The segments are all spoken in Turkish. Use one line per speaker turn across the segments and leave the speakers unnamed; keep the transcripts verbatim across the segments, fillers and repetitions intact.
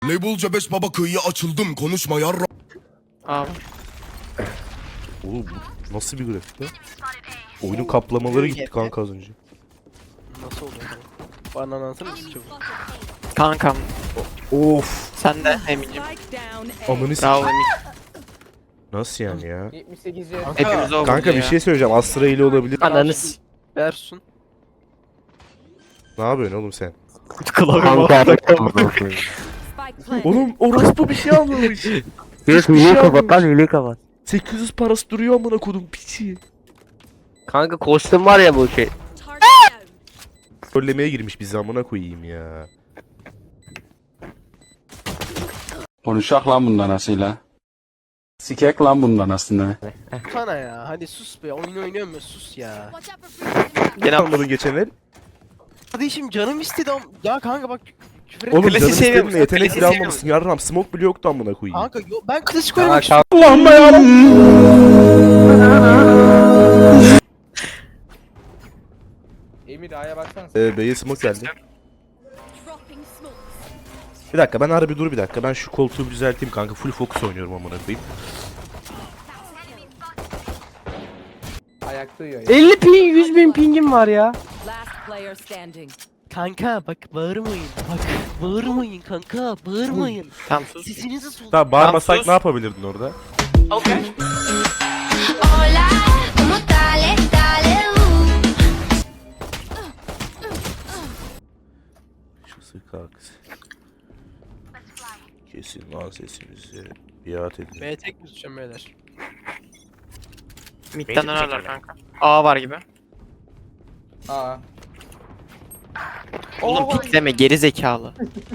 Label Cebes baba kıyıya açıldım konuşma yarra.
Abi.
Oğlum bu nasıl bir grafik lan? Oyunun kaplamaları gitti kanka az önce.
Nasıl oldu? Bana anlatsana mısın çabuk?
Kankam.
Of.
Sen de Emin'cim.
Amını s***.
Bravo Emin.
Nasıl yani ya?
yetmiş sekiz yıl.
Hepimiz o
Kanka bir şey söyleyeceğim. Astra ile olabilir.
Ananız.
Versun.
Ne yapıyorsun oğlum sen? Oğlum orospu bir şey almamış.
Yok hile kapat lan hile kapat.
sekiz yüz parası duruyor amına kodum piçi.
Kanka kostüm var ya bu şey.
Trollemeye girmiş bizi amına koyayım ya.
Konuşak lan bundan asıyla. Sikek lan bundan aslında.
Sana ya hadi sus be oyun oynuyorum ya sus ya.
Gene almadın geçenler.
Kardeşim canım istedi ama ya kanka bak küfür
Oğlum
etme.
Klasiği
canım
seviyor
istedin
musun?
mi? Yetenek
Klasiği
bile
seviyor
almamışsın yarram. Smoke bile yoktu amına koyayım.
Kanka yo, ben klasik oynamak
Kanka
istiyorum.
Allah'ım yarabbim.
Emir A'ya baksana.
Ee, B'ye smoke geldi. Bir dakika ben harbi dur bir dakika. Ben şu koltuğu bir düzelteyim kanka. Full focus oynuyorum amına koyayım.
Ayakta uyuyor ya.
elli ping yüz bin pingim var ya.
Last player standing.
Kanka bak bağırmayın. Bak bağırmayın kanka bağırmayın.
Tamam sus.
Sesinizi sol.
Tamam bağırmasak
sus.
ne yapabilirdin orada?
Okay.
Hola, ¿cómo estás? Dale, uh.
Şu sık kalksın. Kesin lan sesimizi. Biat edin.
B tek mi tutacağım beyler?
Mid'den dönerler kanka. A var gibi.
Aa.
Oğlum pikleme geri zekalı.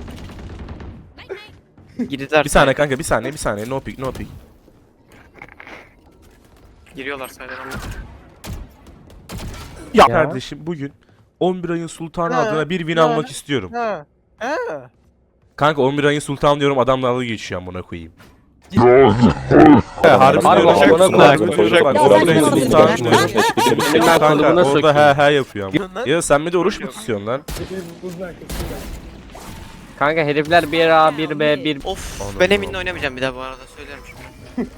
Girdiler.
Bir saniye kanka bir saniye bir saniye. No pick no pick.
Giriyorlar sayıdan.
Ya kardeşim bugün on bir ayın sultanı
Ha,
adına bir win
ha.
almak istiyorum.
Ha. Ha.
Kanka on bir ayın sultanı diyorum adam dalga geçiyor amına koyayım. He harbi
Harbi
diyorum.
amına
Bak,
koyayım.
bak, bak, on bir ayın sultanı diyorum.
Ben
Kanka
kalıbına
orada
sokayım.
he he yapıyor ama. Ya sen bir de oruç mu tutuyorsun lan?
Kanka herifler bir A bir B bir.
Of
Anladım,
ben Emin'le
anladım.
oynamayacağım bir daha bu arada söylerim şimdi.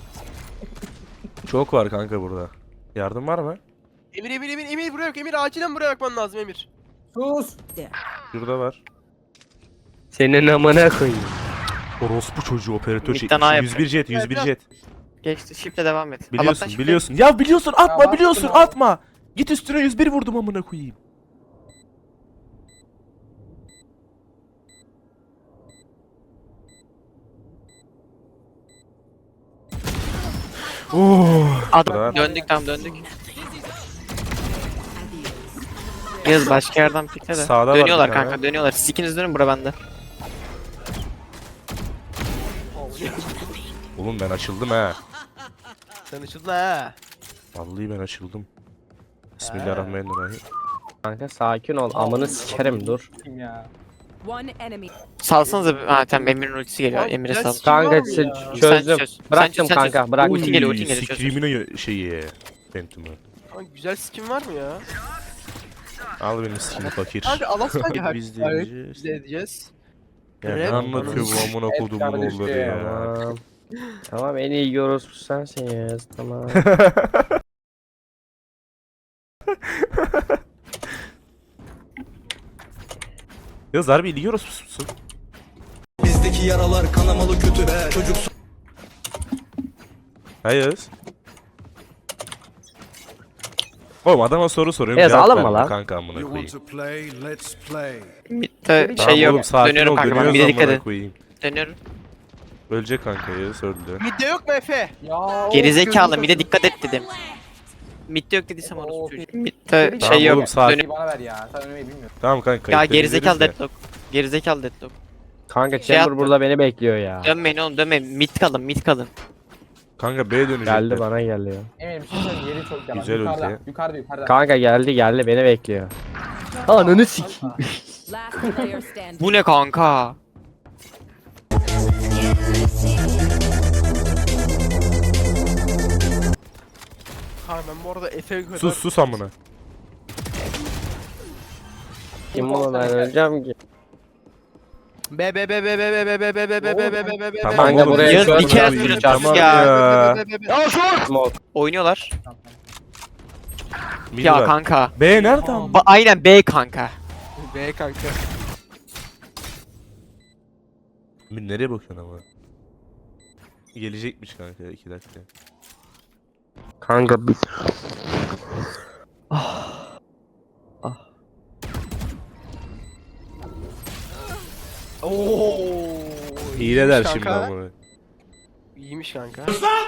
Çok var kanka burada. Yardım var mı?
Emir Emir Emir Emir buraya yok. Emir acilen buraya bakman lazım Emir.
Sus.
Şurada var.
Senin amına koyayım.
Orospu çocuğu operatör şey.
Mid'den A
yüz bir jet yüz bir jet.
Geçti shift'le devam et.
Biliyorsun
Allah'tan shift'le-
biliyorsun. Ya biliyorsun atma
bastım
biliyorsun
abi.
atma. Git üstüne yüz bir vurdum amına koyayım. Oh.
Adam döndük tamam döndük. Yaz başka yerden pikle de.
Sağda var
Dönüyorlar
bir tane.
kanka dönüyorlar. Siz ikiniz dönün bura bende.
Oğlum ben açıldım ha.
Sen açıldın ha.
Vallahi ben açıldım. Bismillahirrahmanirrahim.
Kanka sakin ol amını sikerim dur.
Kim ya?
One enemy.
Salsanıza bir... Ha tamam Emir'in ultisi geliyor.
Abi,
Emir'e
biraz
sal.
Kim var
Kanka
mı
ç-
ya?
Sen
çözdüm.
çöz.
Bıraktım
Sen çöz, sen
kanka
çöz.
bıraktım.
Ulti geliyor, ulti geliyor, çöz.
Scream'in şeyi. Phantom'ı.
Kanka güzel skin var mı ya?
Al benim skin'i fakir.
Kanka Alaska kanka.
Biz de
Evet,
yiyeceğiz.
Biz de edeceğiz.
Ya ne
Evet.
anlatıyor bu amına kodumun
kardeşim.
oğulları ya.
Tamam. Tamam en iyi yorospu sensiniz tamam.
Ya Zarbi biliyoruz musun?
Bizdeki yaralar kanamalı kötü be çocuk.
Hayır. Oğlum adama soru soruyorum.
Yaz,
cevap
alınma
vermiyor
lan.
kanka amına
You
koyayım.
want to play let's play.
Mid'de
Tamam
şey
oğlum
yok.
sakin
Dönüyorum
ol
kanka ben.
dönüyoruz
Bir de dikkat
amına
et.
koyayım.
Dönüyorum.
Ölecek kanka ya öldü.
Midde yok mu Efe?
Ya.
Gerizekalı
gözünü
mid'e dikkat et dedim. Mid'de yok dediysem orası çocuğu. Mid'de
Tamam
şey yok.
oğlum, sakin.
Dönüyorum.
bana ver ya. Sen ölmeyi bilmiyorsun.
Tamam kanka.
Ya
kayıtları
gerizekalı
izleriz de.
deadlock. Gerizekalı deadlock.
Kanka
Şey
Chamber
yaptı.
burada beni bekliyor ya.
Dönmeyin oğlum dönmeyin. Mid kalın mid kalın.
Kanka B dönecekler.
Geldi bana geldi ya.
Emir bir şey söyleyeyim yeri çok yalan.
Güzel
yukarıda,
ulti.
yukarıda yukarıda.
Kanka geldi geldi beni bekliyor. Ananı sik.
Last player standing.
Bu ne kanka?
Kanka ben bu arada Efe'ye kadar...
Sus sus amına.
Kim bu ben öleceğim ki.
Be be be be be be be be be be be be be be be be.
Tamam
Kanka
oğlum,
buraya
Yağız,
şöyle
bir kere
bir
sürüyorsun
çarpma
ya.
ya.
Smoke.
Oynuyorlar.
Mid
Ya
var.
kanka.
B nerede ama?
Ba aynen B kanka.
Be kanka.
Mid nereye bakıyorsun ama? Gelecekmiş kanka iki dakika.
Kanka bir.
Oo.
Hile der
iyiymiş
şimdi
kanka.
ama.
İyiymiş kanka.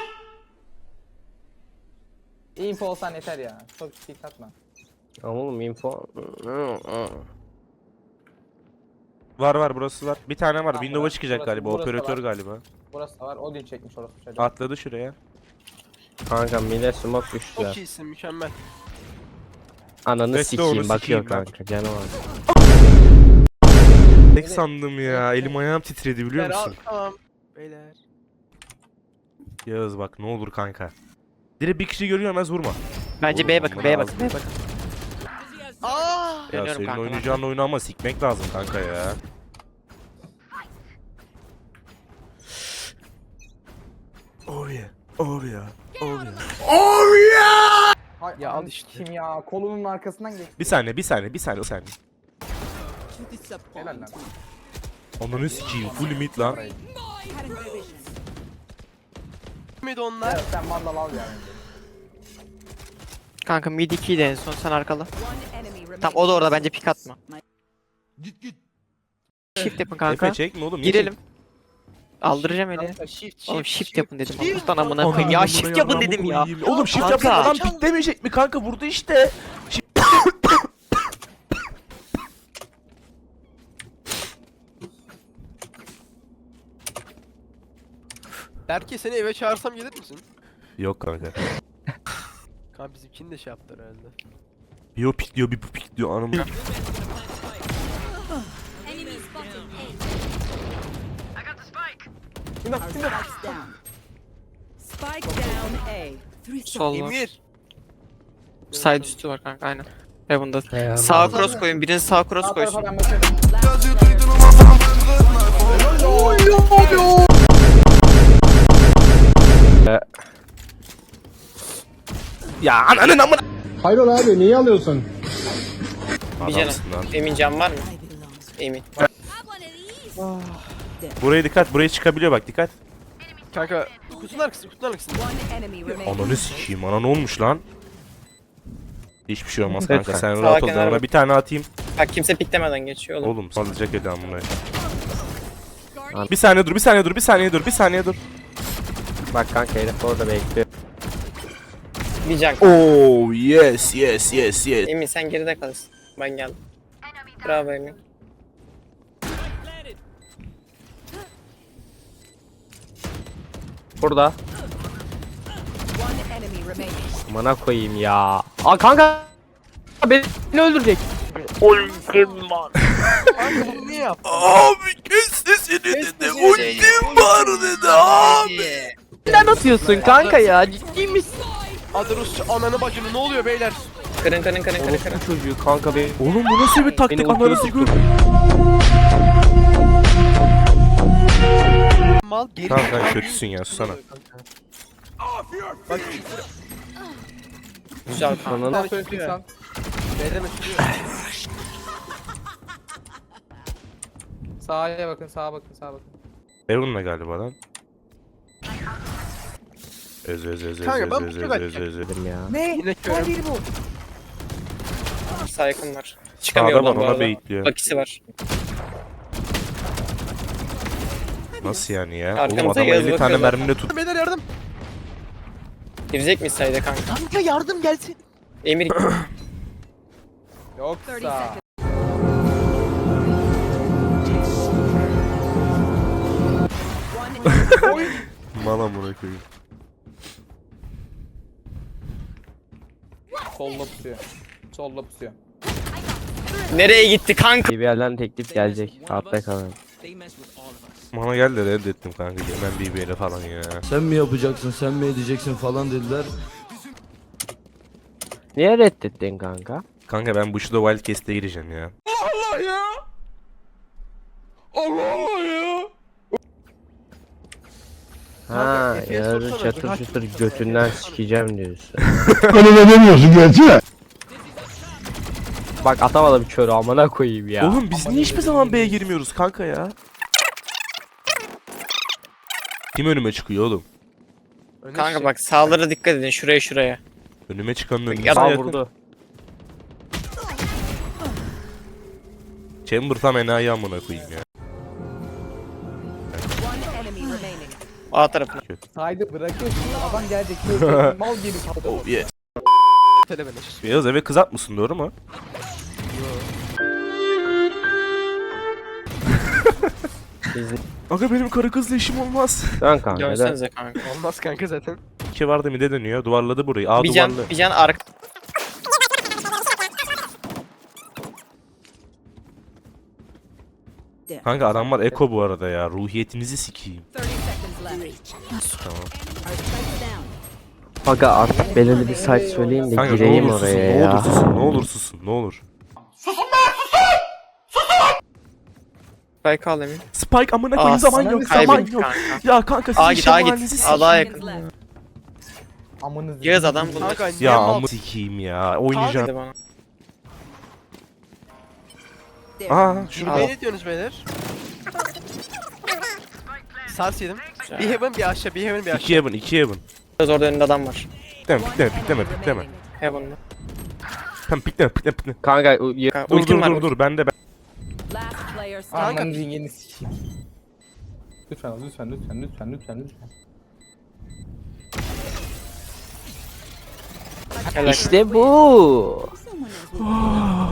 info olsan yeter ya. Çok dik atma.
Ama oğlum info.
Var var burası var. Bir tane var.
Tamam,
Windows'a
burası-
çıkacak
burası-
galiba.
burası da
Operatör
var.
galiba.
Burası da var. Odin çekmiş orası çocuğu.
Atladı şuraya.
Kanka mide smoke düştü ya.
Çok iyisin mükemmel.
Ananı
Bekle
sikeyim
onu
bakıyor
sikeyim ben.
kanka canı var.
Tek sandım ya. Elim ayağım titredi biliyor
Beyler,
musun?
Tamam. Beyler.
Yağız bak ne olur kanka. Direkt bir kişi görüyor vurma.
Bence
Oğlum,
B'ye bakın,
bunları
B'ye
al.
bakın, B'ye bakın.
Aa!
Ya
Dönüyorum
senin
kanka ben.
oynayacağın oyunu ama sikmek lazım kanka ya. Oh yeah. Oh yeah. Oh yeah.
Hay,
Ya al
ananı
işte.
Kim ya? Kolunun arkasından geç.
Bir saniye, bir saniye, bir saniye, bir saniye.
Helal lan.
Ananı sikeyim. Full mid lan.
Mid onlar.
Evet, sen mandal al yani.
Kanka mid ikiydi en son, sen arkala.
One enemy remaining.
Tamam o da orada, bence pick atma. Shift yapın kanka.
Efe çekme oğlum. niye
Girelim. Aldıracağım eli.
Kanka, Shift shift.
Oğlum shift
shift.
yapın dedim.
Shift.
Allah'tan amına
çek-
koyayım. Ya
Ananı
shift
buraya
yapın
amına
dedim ya.
koyayım. Oğlum shift
Kanka.
yapsa adam piklemeyecek mi kanka? Vurdu işte.
Berke seni eve çağırsam gelir misin?
Yok kanka.
Kanka bizimkini de şey yaptılar herhalde.
Bir o pik diyor, bir bu pik diyor. Anam.
Spike down A.
Sol var.
Emir.
Side üstü var kanka, aynen. Heaven'da.
Eyvallah.
Sağa cross koyun, birini sağa cross
Sağ
koysun.
tarafa ben bakıyorum.
Ya ananın amına.
Hayrola abi niye alıyorsun?
Bir canım.
Adamsın lan.
Emin can var mı? Emin.
Buraya dikkat, buraya çıkabiliyor bak dikkat.
Kanka kutunun arkasında kutunun arkasında.
One enemy remaining.
Ananı sikeyim, ana ne olmuş lan? Hiçbir şey olmaz
Lütfen.
kanka, sen
Sağa
rahat ol.
kenara
Ona
bak.
bir tane atayım.
Bak kimse piklemeden geçiyor oğlum.
Oğlum sallayacak eli amına. Bir saniye dur, bir saniye dur, bir saniye dur, bir saniye dur.
Bak kanka herif orada bekliyor.
Bir can.
Oh yes, yes, yes, yes.
Emin sen geride kalırsın. Ben geldim. Bravo Emin.
Burada.
One enemy remaining.
Mana koyayım ya. Aa kanka. Beni öldürecek.
Kanka bunu niye yaptın?
Abi kes sesini dedi, ultim var dedi abi.
Neden atıyorsun kanka ya? Ciddi misin?
Adı Rusça ananı bacını ne oluyor beyler?
Kırın kırın kırın kırın kırın.
Bu çocuğu kanka be.
Oğlum bu nasıl bir taktik,
Beni
ananı
ultiyi
sikeyim.
Mal geri.
Tamam kanka kötüsün ya, susana.
Bak
Güzel kanka.
Ananı
Nasıl söylesin sen?
B'den açılıyor.
Sağa bakın, sağa bakın, sağa bakın.
Evan'la galiba lan. Öz öz öz öz
Kanka,
öz
ben
öz
bu
öz
çok
öz öz öz.
dedim ya.
Ne?
Yine körüm.
Sağ yakın var.
Sağda
Çıkamıyor
var,
oradan bu
ona
arada.
baitliyor.
Bakisi var.
Nasıl yani ya? Oğlum
Arkamıza
adama
Yağız
elli tane
bakıyorlar.
merminde tut.
Beyler yardım.
Girecek miyiz sayda kanka?
Kanka yardım gelsin.
Emir
Yoksa.
Mala amına koyayım.
Solla pusuyor. Solla pusuyor.
nereye gitti kanka?
Bir yerden teklif gelecek. Altta kalın.
Bana geldi de reddettim kanka. Hemen B B'yle falan ya.
Sen mi yapacaksın, sen mi edeceksin falan dediler.
Niye reddettin kanka?
Kanka ben bu Shadow Wildcast'e gireceğim ya. Allah Allah ya.
Ha,
Efe'ye
yarın
sorsana,
çatır
kaç
çatır
vurdun
götünden sikeceğim diyorsun.
Öyle de demiyorsun gerçi.
Bak atamadım körü amına koyayım ya.
Oğlum biz niye hiçbir zaman B'ye girmiyoruz kanka ya? Kim önüme çıkıyor oğlum?
Öne
Kanka
şey-
bak sağlara dikkat edin şuraya şuraya.
Önüme çıkanın önüne
Ya da
yakın.
vurdu.
Chamber tam enayi amına koyayım ya.
One enemy remaining.
A tarafına.
Saydı bırakıyorsun adam gelecek. Böyle mal gibi kaldı.
Oh yes.
Tele beleş.
Beyaz eve kız atmışsın doğru mu? Aga benim karı kızla işim olmaz.
Dön kanka dön.
Dönsenize kanka.
Olmaz kanka zaten.
İki vardı mide dönüyor. Duvarladı burayı. A
Bir can,
duvarlı.
bir can arka.
Kanka adamlar eko bu arada ya. Ruhiyetinizi sikeyim.
thirty seconds left.
Tamam.
Aga artık belirli bir site söyleyeyim de
Kanka ne
gireyim
olur susun,
oraya
ne
ya.
olur susun, ne olur susun, ne olur.
Spike al Emin.
Spike amına
Aa,
koyayım zaman
sana
yok,
bir
zaman
Kaybettik
yok.
kanka.
Ya kanka
A
sizin
git A
şemalinizi
git.
sikeyim.
Allah'a
Seconds
yakın.
left.
Amınızı.
Yağız adam buldu.
Kanka niye
Ya
mal?
amı sikeyim ya. Oynayacağım.
Hadi bana.
Aa şurada.
Ne diyorsunuz beyler? Sars yedim. Bir heaven bir aşağı, bir heaven bir aşağı.
İki Heaven, iki Heaven.
Biraz orada önünde adam var.
Pikleme, pikleme, pikleme, pikleme.
Heaven'da.
Tamam pikleme, pikleme, pikleme.
Kanka u- y-
Kanka,
Dur
ultim
dur
var.
dur dur ben de ben.
Last player standing.
Ananızın yeni sikeyim. Lütfen lütfen lütfen lütfen lütfen lütfen.
Helal.
İşte bu.